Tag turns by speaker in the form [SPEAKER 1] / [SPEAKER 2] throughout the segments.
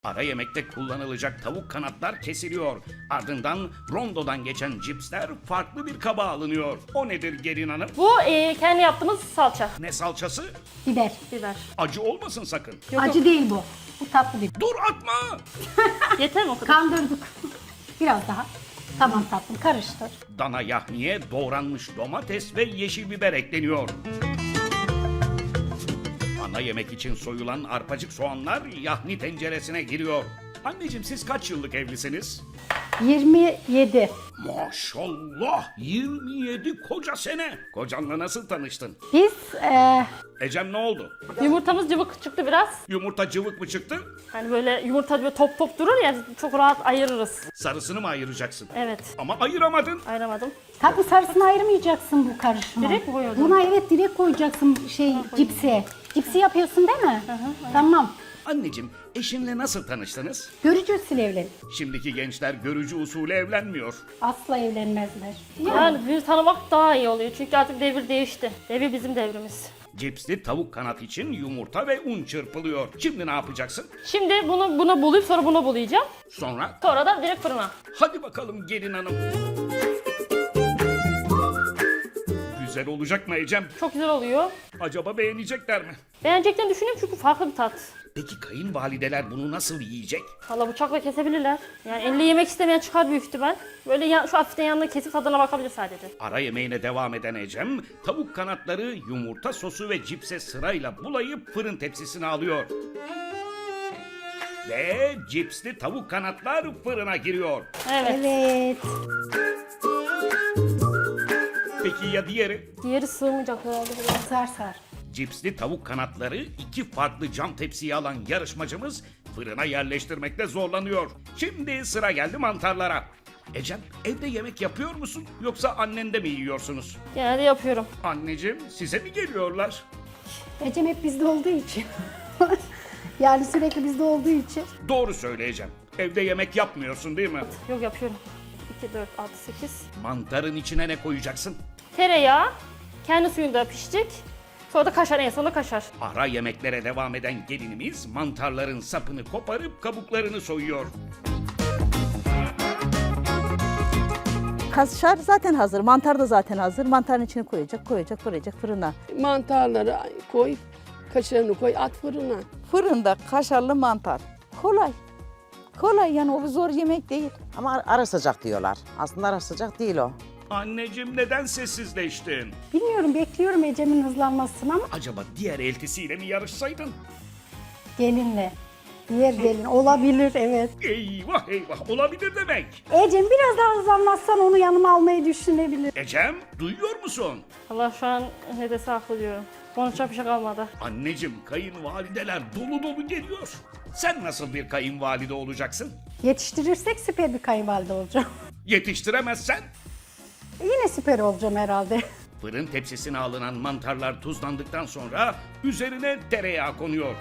[SPEAKER 1] Ara yemekte kullanılacak tavuk kanatlar kesiliyor. Ardından rondodan geçen cipsler farklı bir kaba alınıyor. O nedir gelin hanım?
[SPEAKER 2] Bu kendi yaptığımız salça.
[SPEAKER 1] Ne salçası?
[SPEAKER 3] Biber.
[SPEAKER 2] Biber.
[SPEAKER 1] Acı olmasın sakın.
[SPEAKER 2] Yok,
[SPEAKER 3] Acı değil bu. Bu tatlı bir.
[SPEAKER 1] Dur atma!
[SPEAKER 2] Yeter mi o kadar?
[SPEAKER 3] Kandırdık. Biraz daha. Tamam tatlım, karıştır.
[SPEAKER 1] Dana yahniye doğranmış domates ve yeşil biber ekleniyor. Ana yemek için soyulan arpacık soğanlar yahni tenceresine giriyor. Anneciğim siz kaç yıllık evlisiniz?
[SPEAKER 3] 27.
[SPEAKER 1] Maşallah 27 koca sene. Kocanla nasıl tanıştın?
[SPEAKER 3] Biz
[SPEAKER 1] Ecem ne oldu?
[SPEAKER 2] Yumurtamız cıvık çıktı biraz.
[SPEAKER 1] Yumurta cıvık mı çıktı?
[SPEAKER 2] Hani böyle yumurta böyle top top durur ya, çok rahat ayırırız.
[SPEAKER 1] Sarısını mı ayıracaksın?
[SPEAKER 2] Evet.
[SPEAKER 1] Ama ayıramadın.
[SPEAKER 2] Ayıramadım.
[SPEAKER 3] tatlı sarısını ayırmayacaksın bu karışıma.
[SPEAKER 2] Direkt mi koyuyordun?
[SPEAKER 3] Buna evet direkt koyacaksın cipsi. Cipsi yapıyorsun değil mi? Tamam.
[SPEAKER 1] Anneciğim eşinle nasıl tanıştınız?
[SPEAKER 3] Görücü usulü evlen.
[SPEAKER 1] Şimdiki gençler görücü usulü evlenmiyor.
[SPEAKER 3] Asla evlenmezler.
[SPEAKER 2] Yani bir tanımak daha iyi oluyor. Çünkü artık devir değişti. Devir bizim devrimiz.
[SPEAKER 1] Cipsli tavuk kanat için yumurta ve un çırpılıyor. Şimdi ne yapacaksın?
[SPEAKER 2] Şimdi bunu bulayıp sonra bunu bulayacağım.
[SPEAKER 1] Sonra
[SPEAKER 2] Sonra da direkt fırına.
[SPEAKER 1] hadi bakalım gelin hanım. Güzel olacak mı Ecem?
[SPEAKER 2] Çok güzel oluyor.
[SPEAKER 1] Acaba beğenecekler mi?
[SPEAKER 2] Beğeneceklerini düşünüyorum çünkü farklı bir tat.
[SPEAKER 1] Peki kayınvalideler bunu nasıl yiyecek?
[SPEAKER 2] Valla bıçakla kesebilirler. Yani elle yemek istemeyen çıkar büyük ihtimal. Böyle şu hafiften yanına kesip tadına bakabilir sadece.
[SPEAKER 1] Ara yemeğine devam eden Ecem, tavuk kanatları yumurta sosu ve cipse sırayla bulayıp fırın tepsisine alıyor. Ve cipsli tavuk kanatlar fırına giriyor.
[SPEAKER 2] Evet.
[SPEAKER 3] Evet.
[SPEAKER 1] Peki ya diğeri?
[SPEAKER 2] Diğeri sığmayacak herhalde biraz.
[SPEAKER 3] Sar sar.
[SPEAKER 1] Cipsli tavuk kanatları iki farklı cam tepsiye alan yarışmacımız fırına yerleştirmekte zorlanıyor. Şimdi sıra geldi mantarlara. Ecem evde yemek yapıyor musun yoksa annende mi yiyorsunuz?
[SPEAKER 2] Genelde yapıyorum.
[SPEAKER 1] Anneciğim size mi geliyorlar?
[SPEAKER 3] Ecem hep bizde olduğu için. Yani sürekli bizde olduğu için.
[SPEAKER 1] Doğru söyleyeceğim. Evde yemek yapmıyorsun değil mi?
[SPEAKER 2] Yok yapıyorum. 2, 4, 6, 8.
[SPEAKER 1] Mantarın içine ne koyacaksın?
[SPEAKER 2] Tereyağı. Kendi suyunda pişecek. Sonra da kaşar, en sonunda kaşar.
[SPEAKER 1] Ara yemeklere devam eden gelinimiz mantarların sapını koparıp kabuklarını soyuyor.
[SPEAKER 4] Kaşar zaten hazır, mantar da zaten hazır. Mantarın içine koyacak fırına.
[SPEAKER 5] Mantarları koy, kaşarını koy, at fırına.
[SPEAKER 4] Fırında kaşarlı mantar. Kolay. Kolay yani o bir zor yemek değil.
[SPEAKER 6] Ama ara sıcak diyorlar. Aslında ara sıcak değil o.
[SPEAKER 1] Anneciğim neden sessizleştin?
[SPEAKER 3] Bilmiyorum, bekliyorum Ecem'in hızlanmasını ama
[SPEAKER 1] Acaba diğer eltisiyle mi yarışsaydın?
[SPEAKER 3] gelinle. Diğer gelin olabilir, evet.
[SPEAKER 1] Eyvah eyvah olabilir demek.
[SPEAKER 3] Ecem biraz daha hızlanmazsan onu yanıma almayı düşünebilir.
[SPEAKER 1] Ecem duyuyor musun?
[SPEAKER 2] Allah şu an ne dese haklı diyorum. Konuşacak bir şey kalmadı.
[SPEAKER 1] Anneciğim kayınvalideler dolu dolu geliyor. Sen nasıl bir kayınvalide olacaksın?
[SPEAKER 3] Yetiştirirsek süper bir kayınvalide olacağım.
[SPEAKER 1] Yetiştiremezsen?
[SPEAKER 3] Yine süper olacağım herhalde.
[SPEAKER 1] Fırın tepsisine alınan mantarlar tuzlandıktan sonra üzerine tereyağı konuyor.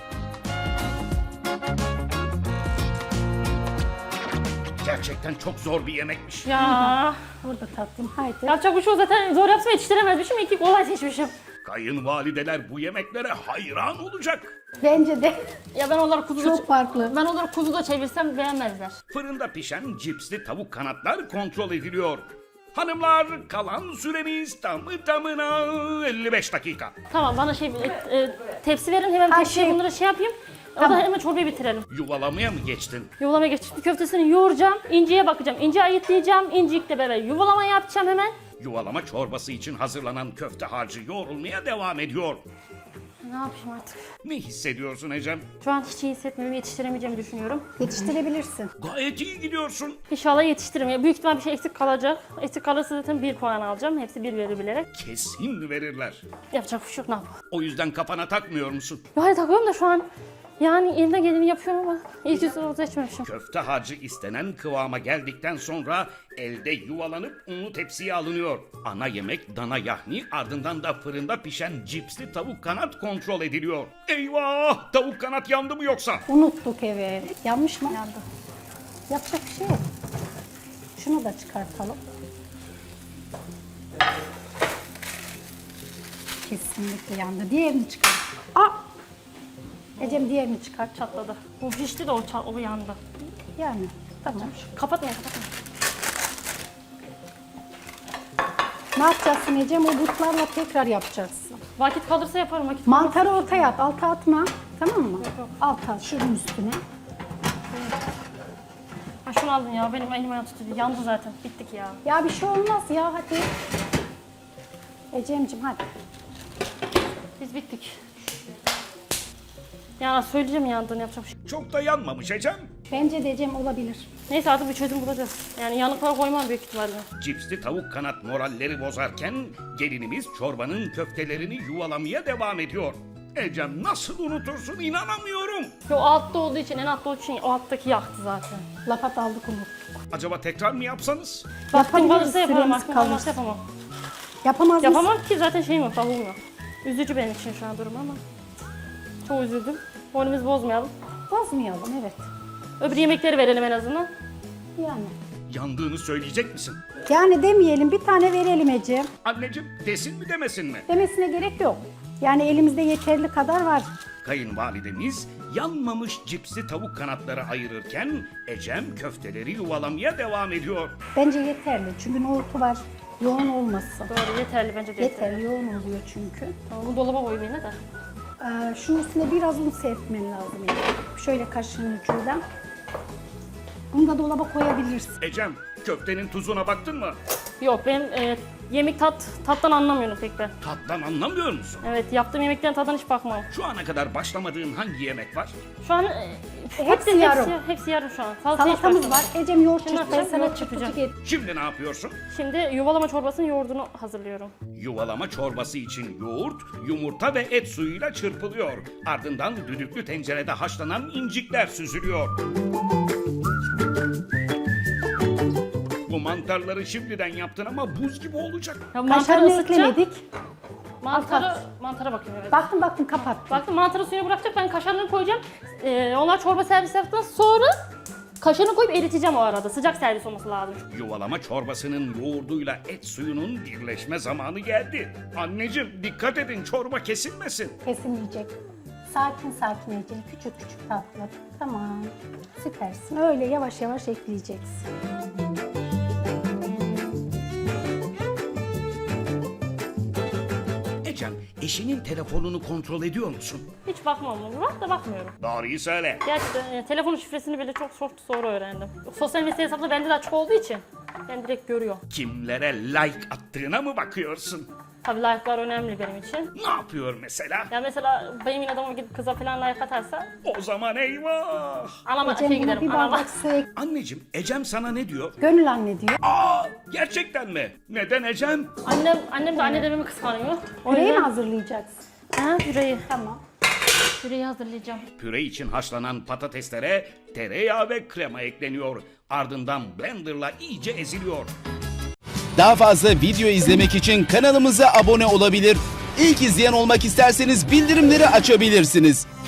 [SPEAKER 1] Gerçekten çok zor bir yemekmiş.
[SPEAKER 2] Ya
[SPEAKER 3] Burada tatlım, haydi.
[SPEAKER 2] yapacak bir şey yok, zaten zor yapsam yetiştiremezmişim. İyi ki kolay seçmişim.
[SPEAKER 1] Kayınvalideler bu yemeklere hayran olacak.
[SPEAKER 3] Bence de
[SPEAKER 2] Ya ben onları kuzuda
[SPEAKER 3] çok farklı.
[SPEAKER 2] ben onları kuzuda çevirsem beğenmezler.
[SPEAKER 1] Fırında pişen cipsli tavuk kanatlar kontrol ediliyor. Hanımlar kalan süremiz tamı tamına 55 dakika.
[SPEAKER 2] Tamam, bana tepsi verin, hemen tepsiye
[SPEAKER 3] şey-
[SPEAKER 2] bunları yapayım. O
[SPEAKER 3] Tamam.
[SPEAKER 2] da hemen çorbayı bitirelim.
[SPEAKER 1] Yuvalamaya mı geçtin?
[SPEAKER 2] Yuvalama geçti. Köftesini yoğuracağım. İnciye bakacağım. İnci ayıtlayacağım. İncikle beraber yuvalama yapacağım hemen.
[SPEAKER 1] Yuvalama çorbası için hazırlanan köfte harcı yoğrulmaya devam ediyor.
[SPEAKER 2] Ne yapayım artık?
[SPEAKER 1] Ne hissediyorsun Ecem?
[SPEAKER 2] Şu an hiç iyi hissetmiyorum. Yetiştiremeyeceğimi düşünüyorum.
[SPEAKER 3] Yetiştirebilirsin.
[SPEAKER 1] Gayet iyi gidiyorsun.
[SPEAKER 2] İnşallah yetiştiririm. Büyük ihtimal bir şey eksik kalacak. Eksik kalırsa zaten 1 puan alacağım. Hepsi 1 verir bilerek.
[SPEAKER 1] Kesin verirler.
[SPEAKER 2] Yapacak bir şey yok, ne yapalım.
[SPEAKER 1] O yüzden kafana takmıyor musun?
[SPEAKER 2] Yani takıyorum da şu an. Yani elimden geleni yapıyorum ama ilk yüzünü seçmemişim.
[SPEAKER 1] Köfte harcı istenen kıvama geldikten sonra elde yuvalanıp unlu tepsiye alınıyor. Ana yemek dana yahni, ardından da fırında pişen cipsli tavuk kanat kontrol ediliyor. Eyvah! Tavuk kanat yandı mı yoksa?
[SPEAKER 3] Unuttuk evet. Yanmış mı? Yandı. Yapacak bir şey yok. Şunu da çıkartalım. Kesinlikle yandı. Diğerini çıkar. Aa! Ecem diğerini çıkar.
[SPEAKER 2] Çatladı. Bu pişti de o yandı.
[SPEAKER 3] Yani tamam.
[SPEAKER 2] Kapatmayın kapatmayın.
[SPEAKER 3] Ne yapacaksın Ecem? O butlarla tekrar yapacaksın.
[SPEAKER 2] Vakit kalırsa yaparım. Vakit
[SPEAKER 3] Mantarı ortaya at. Alta atma. Tamam mı? Alta şunun üstüne.
[SPEAKER 2] Ha şunu aldın ya. Benim elim ayağım tutuyor. Yandı zaten. Bittik ya.
[SPEAKER 3] Ya bir şey olmaz ya hadi. Ecem'cim hadi.
[SPEAKER 2] Biz bittik. Ya söyleyeceğim yandığını yapacak bir şey.
[SPEAKER 1] Çok da yanmamış Ecem.
[SPEAKER 3] Bence de Ecem olabilir.
[SPEAKER 2] Neyse artık bir çözüm bulacağız. Yani yanıklara koymam büyük ihtimalle.
[SPEAKER 1] Cipsli tavuk kanat moralleri bozarken gelinimiz çorbanın köftelerini yuvalamaya devam ediyor. Ecem nasıl unutursun inanamıyorum.
[SPEAKER 2] Yo altta olduğu için, en altta olduğu için o alttaki yaktı zaten.
[SPEAKER 3] Lapat aldık unuttuk.
[SPEAKER 1] Acaba tekrar mı yapsanız?
[SPEAKER 2] Vaktim
[SPEAKER 3] Yapabiliriz,
[SPEAKER 2] kalırsa yaparım.
[SPEAKER 3] süremiz
[SPEAKER 2] Vaktim
[SPEAKER 3] kalırsa.
[SPEAKER 2] kalmazsa yapamam.
[SPEAKER 3] Yapamaz mısın?
[SPEAKER 2] Yapamam ki zaten şeyim yok, tavuğum yok. Üzücü benim için şu an durum ama. Çok üzüldüm. Moralimizi bozmayalım.
[SPEAKER 3] Bozmayalım evet.
[SPEAKER 2] Öbür yemekleri verelim en azından.
[SPEAKER 3] Yani.
[SPEAKER 1] Yandığını söyleyecek misin?
[SPEAKER 3] Yani demeyelim bir tane verelim Ecem.
[SPEAKER 1] Anneciğim desin mi demesin mi?
[SPEAKER 3] Demesine gerek yok. Yani elimizde yeterli kadar var.
[SPEAKER 1] Kayınvalidemiz yanmamış cipsli tavuk kanatları ayırırken Ecem köfteleri yuvalamaya devam ediyor.
[SPEAKER 3] Bence yeterli çünkü nohutu var. Yoğun olmasın.
[SPEAKER 2] Doğru yeterli bence de yeterli.
[SPEAKER 3] Yeterli yoğun oluyor çünkü.
[SPEAKER 2] Tamam, bu dolaba koyayım yine de.
[SPEAKER 3] Şunun üstüne biraz un serpmen lazım. Yani. Şöyle kaşığın ucuyla. Bunu da dolaba koyabilirsin.
[SPEAKER 1] Ecem köftenin tuzuna baktın mı?
[SPEAKER 2] Yok benim tattan anlamıyorum pek ben.
[SPEAKER 1] Tattan anlamıyor musun?
[SPEAKER 2] Evet yaptığım yemeklerin tadına hiç bakmam.
[SPEAKER 1] Şu ana kadar başlamadığın hangi yemek var?
[SPEAKER 2] Şu an
[SPEAKER 3] Hepsi yarım.
[SPEAKER 2] Hepsi yarım şu an. Salataya hiç
[SPEAKER 3] Salatamız
[SPEAKER 2] başlamadım.
[SPEAKER 3] var. Ecem yoğurt
[SPEAKER 2] Şimdi
[SPEAKER 3] çırpmayı
[SPEAKER 2] yapacağım,
[SPEAKER 3] sana
[SPEAKER 2] yoğurt
[SPEAKER 3] çıpıcık
[SPEAKER 2] yapacağım.
[SPEAKER 3] et.
[SPEAKER 1] Şimdi ne yapıyorsun?
[SPEAKER 2] Şimdi yuvalama çorbasının yoğurdunu hazırlıyorum.
[SPEAKER 1] Yuvalama çorbası için yoğurt, yumurta ve et suyuyla çırpılıyor. Ardından düdüklü tencerede haşlanan incikler süzülüyor. Bu mantarları şimdiden yaptın ama buz gibi olacak.
[SPEAKER 2] Ya mantarı
[SPEAKER 3] Kaşarını
[SPEAKER 2] ısıtacağım.
[SPEAKER 3] eklemedik.
[SPEAKER 2] Mantara bakayım evet.
[SPEAKER 3] Baktım kapat.
[SPEAKER 2] Baktım mantarı suyuna bırakacak ben kaşarını koyacağım. Onlar çorba servis yaptıktan sonra kaşarını koyup eriteceğim o arada. Sıcak servis olması lazım.
[SPEAKER 1] Yuvalama çorbasının yoğurduyla et suyunun birleşme zamanı geldi. Anneciğim dikkat edin çorba kesilmesin.
[SPEAKER 3] Kesilmeyecek. Sakin sakin Ecem. Küçük küçük tatlı. Tamam. Süpersin. Öyle yavaş yavaş ekleyeceksin.
[SPEAKER 1] Ecem eşinin telefonunu kontrol ediyor musun?
[SPEAKER 2] Hiç bakmam onu. Var da bakmıyorum.
[SPEAKER 1] Doğruyu söyle.
[SPEAKER 2] Gerçekten telefonun şifresini bile çok sonra öğrendim. Sosyal medya hesapları bende de açık olduğu için ben direkt görüyorum.
[SPEAKER 1] Kimlere like attığına mı bakıyorsun?
[SPEAKER 2] Tabii like'lar önemli benim için.
[SPEAKER 1] Ne yapıyor mesela?
[SPEAKER 2] Ya mesela benim adamım gidip kıza falan like atarsa
[SPEAKER 1] O zaman eyvah.
[SPEAKER 2] anama
[SPEAKER 3] Ecem
[SPEAKER 2] şey
[SPEAKER 3] buna
[SPEAKER 2] giderim.
[SPEAKER 3] bir
[SPEAKER 2] Anama.
[SPEAKER 3] bardak su ek.
[SPEAKER 1] Anneciğim Ecem sana ne diyor?
[SPEAKER 3] Gönül anne diyor.
[SPEAKER 1] Aa gerçekten mi? Neden Ecem?
[SPEAKER 2] Annem de anne dememi kıskanıyor. O
[SPEAKER 3] Püreyi mi
[SPEAKER 2] yüzden
[SPEAKER 3] hazırlayacaksın?
[SPEAKER 2] püreyi.
[SPEAKER 3] Tamam.
[SPEAKER 2] Püreyi hazırlayacağım.
[SPEAKER 1] Püre için haşlanan patateslere tereyağı ve krema ekleniyor. Ardından blenderla iyice eziliyor.
[SPEAKER 7] Daha fazla video izlemek için kanalımıza abone olabilir. İlk izleyen olmak isterseniz bildirimleri açabilirsiniz.